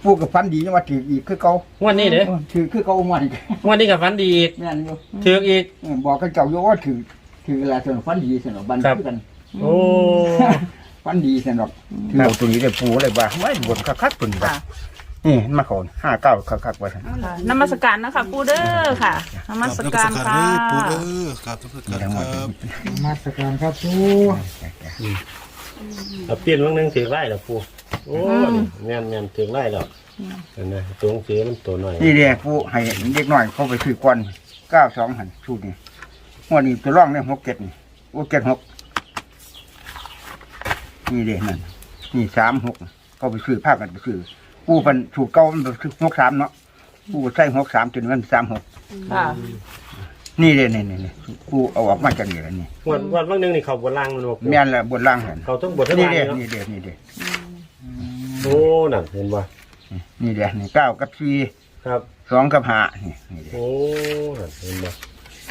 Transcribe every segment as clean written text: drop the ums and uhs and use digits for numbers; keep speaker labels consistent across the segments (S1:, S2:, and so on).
S1: ปูกับฟันดีว่าถืออีกคือเก่าง
S2: วดนี้เด้อ
S1: ถือคือเก่าหมด
S2: งวดนี้กับฝันดีอีก
S1: แม่นอยู่
S2: ถืออีก
S1: บอกกันเก่าอยู่ว่าถืออะไรสนุกฟันดีสนุกบันคือกัน
S2: โอ้
S1: ฟันดีสนุกถือตัวนี้ได้ปูเลยว่าไม่บนคักๆตัวนี้นี่มาขอน59คักๆไว้ท่าน
S3: นมัสการนะคะปูเด้อค่ะนมัสการค่ะ
S4: ปูเด้อครับนมัสการครับ
S1: มาสการครับปู
S2: เอาเปลี่ยนวันนึงถือไล่แล้วปูโอ้แม่นถือไล่แล้วนั่นนะตัวหนังสือมันตัวหน่อย
S1: นี่เด้ปูให้เด็กน้อยเขาไปซื้อก่อน92หันชุดนี้งวดนี้ตัวร่องได้67นี่โอ้76นี่เด้นั่นนี่36เขาไปซื้อภาคกันไปซื้อปูเป็นถูกเก่ามันคือ63เนาะปูใส่63จนมัน36
S3: ค่ะ
S1: นี่เด้นี่ปูเอาออกมาจากนี่แล้วนี่
S2: วันวันนึงนี่เขาบนล่างมันบอก
S1: แม่นละบนล่างเห็น
S2: เขาต้องบนทั้ง
S1: นี่
S2: ล่าง
S1: เด้
S2: เนาะ
S1: นี่เด้นี่เด้
S2: โอ้นั่นเห็นป่ะ
S1: นี่เด้นี่9กับ4
S2: ครับ
S1: 2กับ5นี่เด้
S2: โอ้นั่นเห็นป่ะ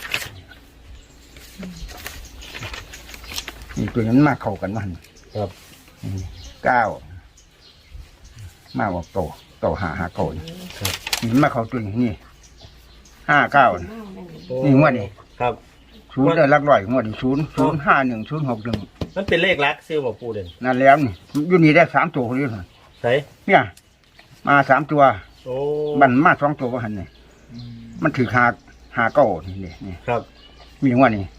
S1: นี่ตัวนั้นมาเข้ากันมัน
S2: ครับ
S1: 9มาบอกโต5โกนนี่มาเข้าตัวนี้59นี่งวดนี้
S2: ครับ
S1: 0ได้หลักร้อยงวดนี้0051061
S2: มันเป็นเลขลักซื้อบอกปูเด่น
S1: นั่นแล้วนี่อยู่นี่ได้3ตัวคนนี้หั่น
S2: ใช่
S1: เนี่ยมา3ตัว
S2: โอ้
S1: มันมา2ตัวบ่หั่นนี่มันถือ5 9นี่
S2: ครับ
S1: มีงวดนี้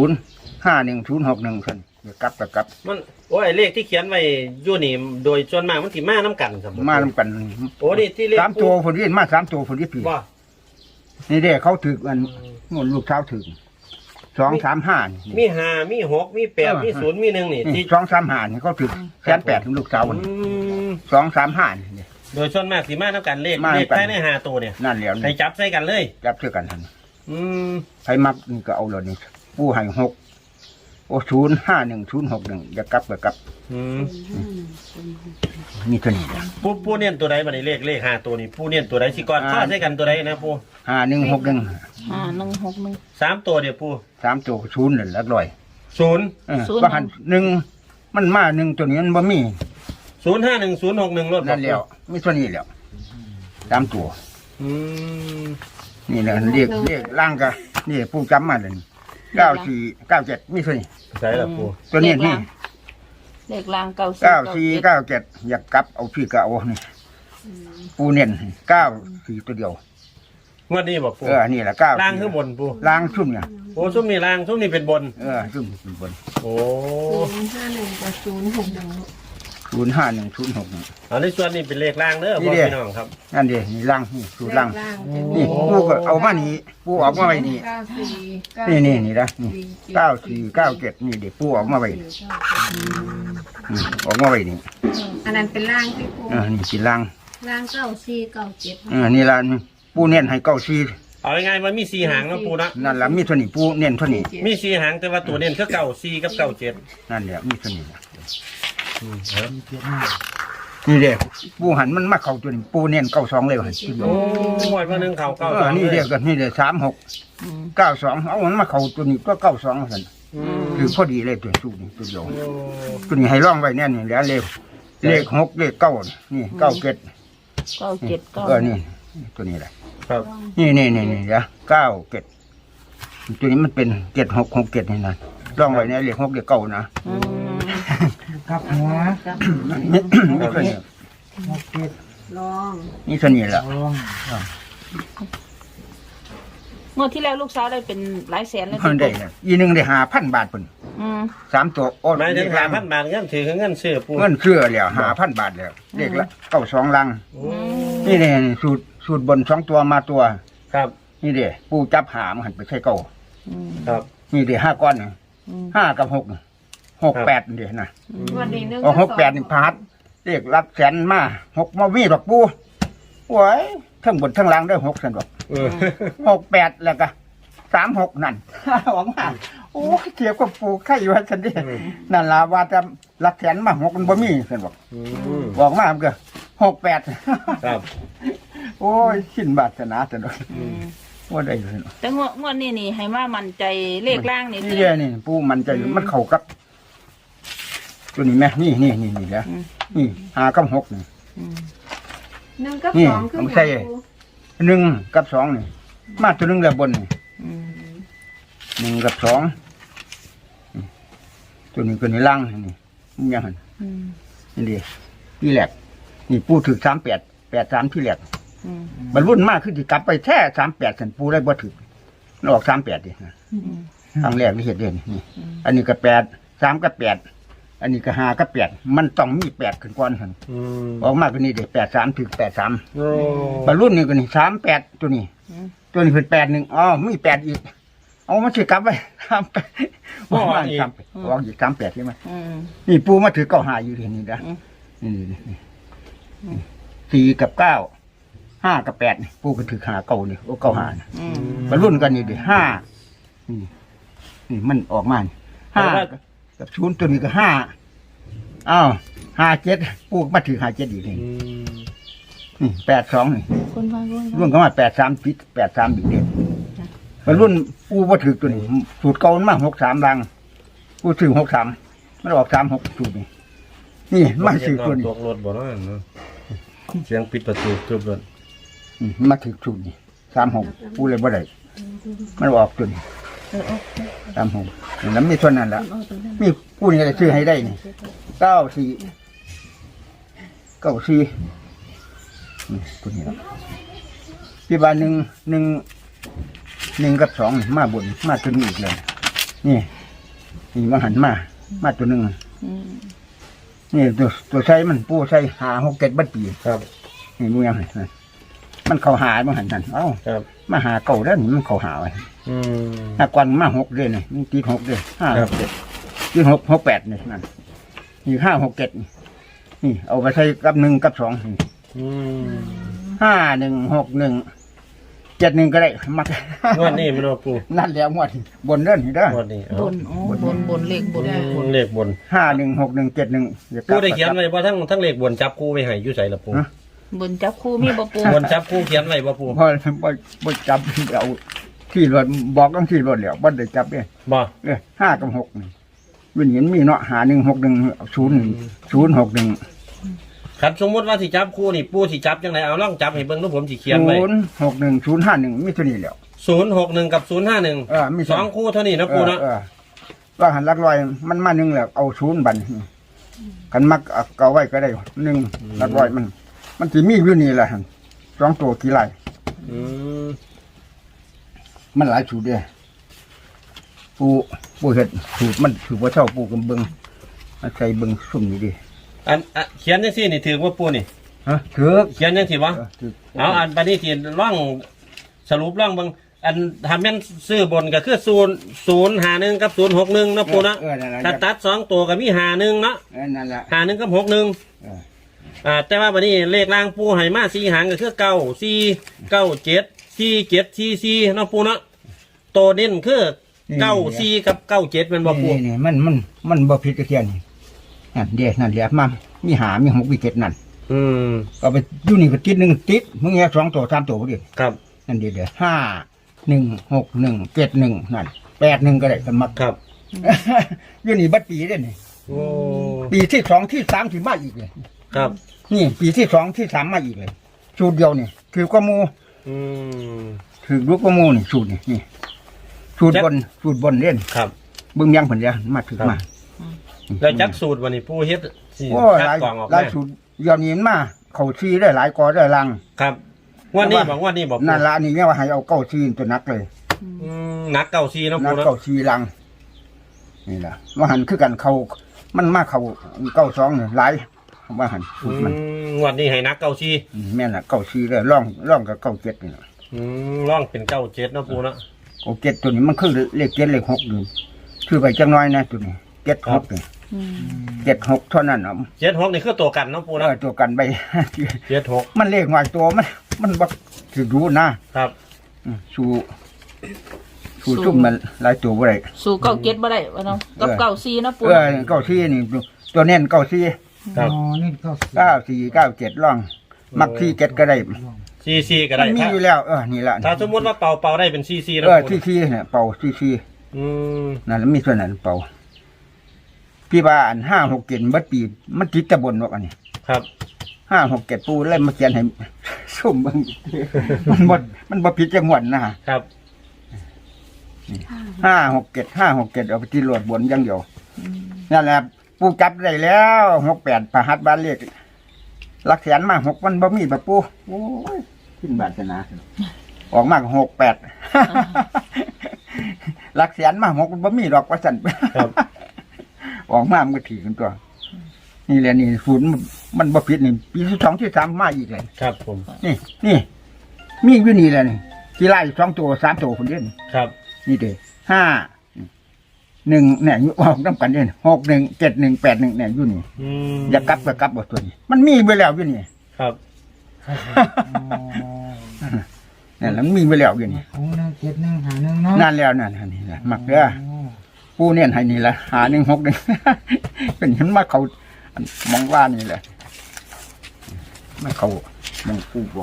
S1: 051061ซั่นเดี๋ยวกลับก็กลับ
S2: มันโอ้ยเลขที่เขียนไว้อยู่นี่โดยส่วนมากมันสิมาน้ำกันครับ
S1: มานำกัน
S2: โอ้นี่ที่เลข
S1: 3ตัวคนนี้มา3ตัวคนนี้ผี
S2: ว่า
S1: นี่เด้เขาถือกันงวดลูกเท้าถือ235นี่
S2: มีห้ามีหกมีแปดมีศูนย์มีหนึ่งนี่ที่
S1: 235นี่เขาถือ180,000ถึงลูกเท้า
S2: อืม
S1: 235นี่
S2: โดยส่วนมากสิมาน้ำกันเลข
S1: มา
S2: เล
S1: นำ
S2: ข
S1: กัน
S2: ภายในห้าตัวเนี่ย
S1: นั่นแล้ว
S2: ให้
S1: นี่
S2: จับใส่กันเลย
S1: จับเชื่อกันหั่น
S2: อืม
S1: ใครมักนี่ก็เอาเลยนี่ผู้ให้6โอ้051061อย่ากลับก็กลับ
S2: อืม
S1: นี่เท่านี้นะ
S2: ผู้เนียนตัวใดบัดนี้เลขห้าตัวนี่ผู้เนียนตัวใดสิก่อนข้อใส่กันตัวใดนะผู้
S1: 5161
S3: 161
S2: สามตัวเดี๋ยวผู้
S1: 3ตัว0นั่นหลักร้อย
S2: ศูนย์
S1: ว่าหัน1มันมา1ตัวนี้มันบ่มี
S2: 051061รถ
S1: นั่นแล้วมีเท่านี้แล้ว3ตัว
S2: อืม
S1: นี่นะเรียกร่างกะนี่ผู้จำมาเลย9497มีเท่านี้
S2: ใช่ละผู้
S1: ตัวนี้นี่
S3: เลขล่าง
S1: 9497อยากกลับเอาพี่ก็เอานี่ปูเน้น94ตัวเดียว
S2: งวดนี้บอกผู้
S1: นี่แหละ9
S2: ล่างขึ้นบนผู้
S1: ล่างชุ่มเนี่ย
S2: โอ้ซุ้มนี่ล่างซุ้มนี่เป็นบน
S1: ชุ่มเป็นบน
S2: โอ้
S1: 051061
S2: อันนี้ส่วนนี้เป็นเลขล่างเด้อ
S1: นี่
S2: พ่อ
S1: เด้
S2: พี่น้องครับ
S1: นั่นเด้นี่ล่างนี่สูตรล่างนี่ปูก็เอามานี่ปูออกมาไว้นี่นี่นะนี่9497นี่เด็กปูออกมาไว้ออกมาไว้นี่
S5: อันนั้นเป็นร่างที่ปู
S1: นี่สิล่าง
S5: ร่าง9497
S1: นี่ล่ะปูเน้นให้94
S2: เอาง่ายๆมันมี4หางนะปูนะ
S1: นั่นล่ะมีเท่านี้ปูเน้นเท่านี้
S2: มี4หางแต่ว่าตัวเน้นคือเก่า4กับเก่า7
S1: นั่นแหละมีเท่านี้นี่เด้ปูหันมันมาเข้าตัวนี้ปูเน้น92เลยหั่น
S2: โอ้วันวันหนึงเข่าเก่า
S1: นี่เด้ก็นี่เด้3692เอามันมาเข้าตัวนี้ก็92ซั่นคือพอดีเลยตัวสูตรนี่ตัวเดียวตัวนี้ให้ร่องไว้แน่นี่แล้วเลข6เลข9นี่97
S3: 979
S1: นี่ตัวนี้แหละ
S2: ครับ
S1: นี่เดี๋ยว97ตัวนี้มันเป็น7667นี่นะร่องไว้ในเลข6เลข9นะ
S6: ครับหัว
S1: นี่ตัวนี้
S5: ลอง
S1: นี่ตัวนี้แหละ
S3: งวดที่แล้วลูกสาวได้เป็นหลายแสนเลย
S1: เพิ่นได้เนี่ยอีหนึงได้5,000 บาทเพิ่น
S3: อืม
S1: 3ตัวโอ้
S2: หมายถึง5,000 บาทเงินถือคือเงินซื้อปู
S1: เงินเชื่อแล้ว5,000 บาทแล้วเลขละ92ลัง
S2: โอ้
S1: นี่เด้สูตรบน2ตัวมาตัว
S2: ครับ
S1: นี่เด้ปูจับหามหันไปใช้เก่า
S2: ครับ
S1: นี่เด้5ก้อนนี่5กับ6 68เด้นะ
S5: วันนี้นึง
S1: เอา68นี่พาดเลขหลักแสนมา6มามีดอกปูโอ้ยทั้งบนทั้งล่างได้6ซั่นดอก 68แล้วก็36นั่น หวังว่าโอ้ยเกี่ยวกับปูไข่อยู่ซั่นเด้นั่นล่ะว่าแต่หลักแสนมา6มันบ่มีซั่นบอก บอกมามันก็68
S2: ครับ
S1: โอ้ยสิ้นบาสนาซั่นดอกว่าได้ซั่น
S3: แต่งวดนี้นี่ให้ว่ามั่นใจเลขล่างนี่
S1: นี่เด้นี่ปูมันจะมันเข้ากับตัวนี้แม่นี่แหละนี่5กับ6นี่
S5: หนึ่งกับ
S1: นี่
S5: สองคือ
S1: ผมใส่ หนึ่งกับสองนี่มาตัวหนึ่งแล้วบนนี่
S3: อืม
S1: หนึ่งกับสองตัวนี้ตัวนี้ล่างนี่มันยังหัน
S3: อืม
S1: นี่ดีที่แหลกนี่ปูถือ38 ที่แหลก
S3: อืม
S1: บรรลุนมากขึ้นที่กลับไปแท้38สันปูได้บ่ถือมันออก38ดินะ
S3: อืม
S1: ครั้งแรกที่เห็นเด่นนี่อันนี้ก็3กับ8อันนี้ก็5กับ8มันต้องมี8ขึ้นก่อนหัน
S2: อืม
S1: ออกมาก็นี่เด็83ถึง83
S2: โอ้
S1: บรรลุนี่ก็นี่38ตัวนี้ ตัวนี้เป็น81อ๋อมี8อีกเอามาถือกลับไป38ว่า38ออกอีก38ใช่ไหม
S3: อืม
S1: นี่ปูมาถือ95อยู่ที่นี่นะ
S3: อืม
S1: นี่4กับ9 5กับ8นี่ปูก็ถือ5เก่านี่โอ้95นะ
S3: อืม
S1: บรรลุกันนี่ดิ5นี่มันออกมานี่5กับ0ตัวนี้ก็5อ้าว57ปูก็มาถือ57อีกนี่
S2: อืม
S1: นี่82นี่
S3: คนฟังคนฟัง
S1: รุ่นก็มา83ติด83อีกเด้บรรลุปูบ่ถือตัวนี้สูตรเก่ามันมา63ลังปูถือ63มันออก36สูตรนี่นี่มาถือตัวนี้
S2: ตกรถบ่เนาะเนาะเสียงปิดประตูทึบรถ
S1: มาถือสูตรนี่36ปูเลยบ่ได้มันออกตัวนี้
S3: เออ
S1: 36แล้วมีเท่านั้นล่ะ
S3: เอาตัวนั้น
S1: มีผู้นี้จะซื้อให้ได้นี่94ตัวนี้ละที่บ้านหนึ่งกับ2นี่มาบนมาตัวนี้อีกเลยนี่มาหันมาตัวหนึ่ง
S3: อืม
S1: นี่ตัวใช้มันปูใช้5 6 7บัดปี
S2: ครับ
S1: นี่มึงยังไงมันเข้าหามันหันเอ้า
S2: ครับ
S1: มาหาเก่าแล้วนี่มันเข้าหาไว้
S2: อืม
S1: ถ้ากวนมา6เดือนนี่มันติด6เดือน5
S2: ครับ
S1: 6 7ติด6 6 8นี่นั่นนี่5 6 7นี่เอาไปใช้กับ1กับ2นี่
S2: อืม
S1: 516171ก็ได้มัก
S2: งวดนี้มันเอาปู
S1: นั่นแล้วงวดบนเด้อนี่เด้อง
S2: วดนี้เอา
S3: บนอ๋อบนเลขบนเลขบน
S2: เลขบน
S1: 516171
S2: ปูได้เขียนไว้บ่ทั้งเลขบนจับคู่ไว้ให้อยู่ไสล่ะปู
S3: บนจับคู่มีบ่ปู
S2: บนจับคู่เขียนไว้บ่ปู
S1: พอบ่จับเอาที่รถบอกกันที่รถแล้วบ่ได้จับเด้
S2: บ่
S1: 5กับ6นี่วิญญาณมีเนาะ5161 061
S2: ครับสมมุติว่าสิจับคู่นี่ปูสิจับจังไดเอาลองจับให้เบิ่งดูผมสิเขียนไว้
S1: 061 051มีเท่านี้แล้ว
S2: 061กับ051
S1: มี
S2: สองคู่เท่านี้นะปูเนาะ
S1: ว่าหันหลักร้อยมันมา1แล้วเอา0บัดกันมักเอาไว้ก็ได้1หลักร้อยมันสิมีอยู่นี่แหละหั่น2ตัวกี่ไร่
S2: อืม
S1: มันหลายสูตรเด้ปูเฮ็ดสูตรมันถือว่าเช่าปูกำเบิงมาใส่เบิงซุ่มนี่ดิ
S2: อันเขียนจังซี่นี่ถือว่าปูนี่
S1: ฮะถือ
S2: เขียนจังซี่บ่
S1: ถือ
S2: เอาอันบัดนี้สิร่องสรุปร่องเบิ่งอันถ้าแม่นซื้อบนก็คือ051กับ061เนาะปูเนาะ
S1: นั่นแหละ
S2: ถ้าตัด2ตัวก็มี51เนาะ
S1: นั่นแหละ
S2: 51กับ61
S1: เออ
S2: แต่ว่าบัดนี้เลขล่างปูให้มา4หางก็คือ9 4 9 7 4 7 4 4เนาะปูเนาะตัวเน้นคือ9 4กับ9 7แม่นบ่ปู
S1: นี่มันบ่ผิดกระเทียนนี่นั่นเด้นั่นเดี๋ยวมามีหามี6มี7นั่น
S2: อืม
S1: เอาไปอยู่นี่ก็ติด1ติดมึงแยก2ตัว3ตัวบ่ดิ
S2: ครับ
S1: นั่นเดี๋ยว5 1 6 1 7 1นั่น8 1ก็ได้กันมัก
S2: ครับ
S1: อยู่นี่บัดปีเด้นี่
S2: โอ้
S1: ปีที่2ที่3สิมาอีกเลย
S2: ครับ
S1: นี่ปีที่2ที่3มาอีกเลยสูตรเดียวนี่คือกว่าหมู่
S2: อืม
S1: คือลูกกว่าหมู่นี่สูตรนี่สูตรบนเล่น
S2: ครับ
S1: เบิ่งยังเพิ่นเด้อมาถึงมา
S2: แล้วจักสูตรวันนี้ปูเฮ็ดสิ
S1: โอ้
S2: คั
S1: ห
S2: ด
S1: ลาย
S2: กล่องออก
S1: หลาย
S2: มา
S1: สูตรยอมนี้มันมาเข้าซีได้หลายกอได้ลัง
S2: ครับงวันนี้บอกงวันนี้บอกปู
S1: นั่นละนี่เนี่ยว่าให้เอาเก้าซีตัวนักเลย
S2: หนักเก่าซีเนาะ
S1: นั
S2: ปู
S1: ก
S2: เนาะ
S1: เก้าซีลังนี่ล่ะว่าหันคือกันเขามันมาเข้า92นี่หลายว่าหันสูตรมัน
S2: งวันนี้ให้หนักเก่าซี
S1: แม่นล่ะเก้าซีเลยร่องกับ97นี่ล่ะ
S2: ร่องเป็นเก่าเจ็ดเนาะปูเนาะ
S1: โอ้7ตัวนี้มันคือเลข7เลข6นี่คือไปจังน้อยนะตัวนี้76นี่
S3: อืม
S1: 76เท่านั้นเนาะ
S2: เจ็ดหกนี่คือตัวกันเนาะปูเนาะ
S1: ตัวกันไป
S2: เจ็ดหก
S1: มันเลขหน่อยตัวมันบ่สิรู้นะครับ สู้ซุ่มมันหลายตัวบ่ได้
S3: สู่เก้าเก็ดบ่ได้วะเนาะกับเก้าซีเนาะปู
S1: เก้าซี่นี่ตัวเน้นเก้าซี่
S2: ครับ
S6: อ๋อนี่ก็
S1: 94 97ร่อง มักที่7ก็ได้
S2: ซีซีก็
S1: มั
S2: ได้
S1: นมี
S2: ถ้า
S1: อยู่แล้วนี่ล่ะ
S2: ถ้าสมมติว่าเป่าได้เป็นซีซีเนาะปู
S1: ที่ซี่เนี่ยเป่าซี่
S2: อืม
S1: นั่นแล้วมีส่วนนั้นเป่าพี่ว่าอัน5 6 7บัดปีมันติดตะบนว่าอันนี้
S2: ครับ
S1: 567ปูเล่มมาเขียนให้ ซุ่มเบิ่ง มันบ่ผิดจังหวัดนะครับ 567เอาไปที่โหลดบนอย่างเดียวนั่นแหละปูจับได้แล้ว68พหัสบ้านเลขหลักแสนมา6มันบ่มีแบบปูโอ้ยขึ้นบาทนะออกมาก็68 หลักแสนมา6มันบ่มีดอกว่าซั่น
S2: ครับ
S1: ออกมามันก็ถือกันตัว นี่แหละนี่ศูนย์มันบ่ผิดนี่ปีที่2ที่3มาอีกเลย
S2: ครับผม
S1: นี่มีอยู่นี่แหละนี่ที่ไล่2ตัว3ตัวคนเดียวนี่
S2: ครับ
S1: นี่เด้5 1เนี่ยอยู่ออกนำกันเด้6 1 7 1 8 1เนี่ยอยู่นี่ อย่ากลับก็กลับบ่ตัวนี้ มันมีไปแล้วอยู่นี่
S2: ครับ
S1: นั่นแหละมันมีไปแล้วอยู่นี่
S6: ของ1 7 1 5 1เนาะ
S1: นั่นแล้วนั่นนี่แหละมักเด้อปูเนี่ยให้นี่ละ5 1 6 1 เป็นเห็นมาเขามองว่านี่แหละไม่เขามันปูบอก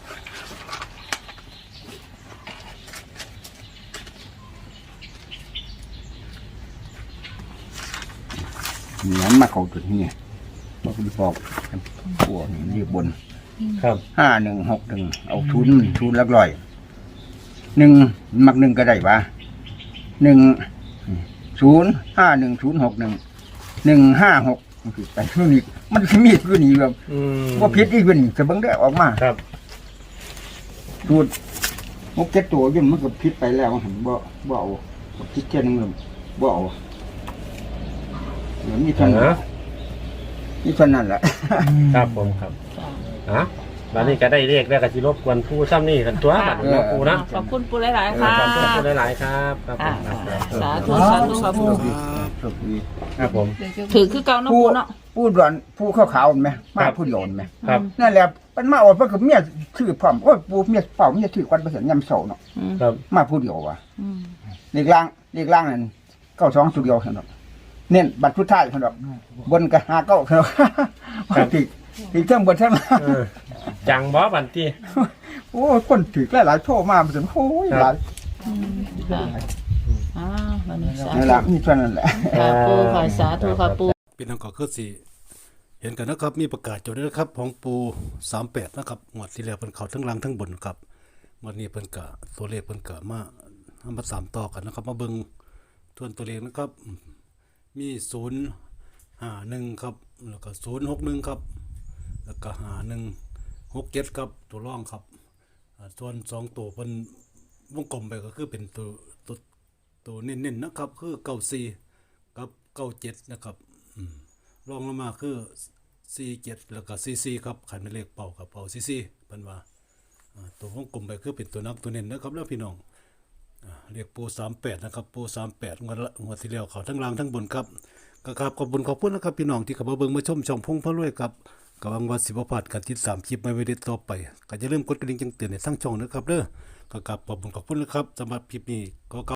S1: เหมือนมาเขาจุดนี้บอกคุณบอกปวดนี่ยืบบน
S2: ครับ
S1: 5161เอาทุนหลักร้อยมัก1ก็ได้ปะ1051061 มันคือไปนู่นนี่มันสิมีคือนี่แบบว่าพิษอีกคือนี่จะเบิ่งได้ออกมา
S2: ครับ
S1: สูตร6-7ตัวยุ่นมันก็พิษไปแล้วมันบ่เอาพิษแค่นึงเลยบ่เอาเหมือนมีเท่านั้นนี่เท่านั้นแหละ
S2: ครับผมครับบัดนี้ก็ได้เลขแล้วก็สิรบกวนผู้ซ้ำนี่กันตัวบัดนี้เนาะปูนะ
S3: ขอบคุณปูหลายๆค่ะ
S2: ขอบคุณหลายๆครับครับผมครับ
S3: สาธุสาธุค่ะปู
S1: โชคดี
S2: ครับผม
S3: ถือคือเก่าเนาะปูเนาะ
S1: ผู้ดอนผู้ขาวๆเห็นไหมมาผู้โยนไหม
S2: ครับ
S1: นั่นแหละมันมาอดเพราะกับเมียชื่อพร้อมโอ้ยปูเมียเป่าเมียชื่อควันประเสริฐยำเสาเนาะ
S2: ครับ
S1: มาผู้เดียวว่ะ
S3: อืม
S1: เลขล่างนั่น92สุดเดียวเนาะเน้นบัตรชุดท้ายเนาะบนก็59เนาะติเทิงบนเทิงล่าง
S2: จังบ่บันตี้
S1: โอ้ยคนถือหลายๆโทรมามันโอ้ยหลาย
S3: ค่ะวันนี้สา
S1: นั่น
S3: ธุ
S1: แหละมีเท่านั้นแหละ
S3: ค่ะปูค่ะสาธุค่ะปู
S4: พี่น้องก็คือสิเห็นกันนะครับมีประกาศอยู่ด้วยนะครับของปู38นะครับงวดที่แล้วเพิ่นเข้าทั้งล่างทั้งบนครับงวดนี้เพิ่นก็ตัวเลขเพิ่นก็มาเอามา3ต่อกันนะครับมาเบิ่งทวนตัวเลขนะครับมี051ครับแล้วก็061ครับแล้วก็5167ครับตัวรองครับส่วน2ตัวเพิ่นวงกลมไปก็คือเป็นตัวเน้นๆนะครับคือ94กับ97นะครับรองลงมาคือ47แล้วก็44ครับขันเป็นเลขเป่ากับเป่า44เพิ่นว่าตัววงกลมไปคือเป็นตัวนักตัวเน้นนะครับแล้วพี่น้องเรียกปู38นะครับปู38งวดที่แล้วเขาทั้งล่างทั้งบนครับก็ครับขอบคุณนะครับพี่น้องที่เข้ามาเบิ่งมาชมช่องพงพระรวยครับก็หวังว่าสิบ่พลาดการติดตามคลิปใหม่ๆต่อไปก็อย่าลืมกดกระดิ่งแจ้งเตือนให้ทั้งช่องนะครับเด้อก็ขอบคุณนะครับสำหรับคลิปนี้ก็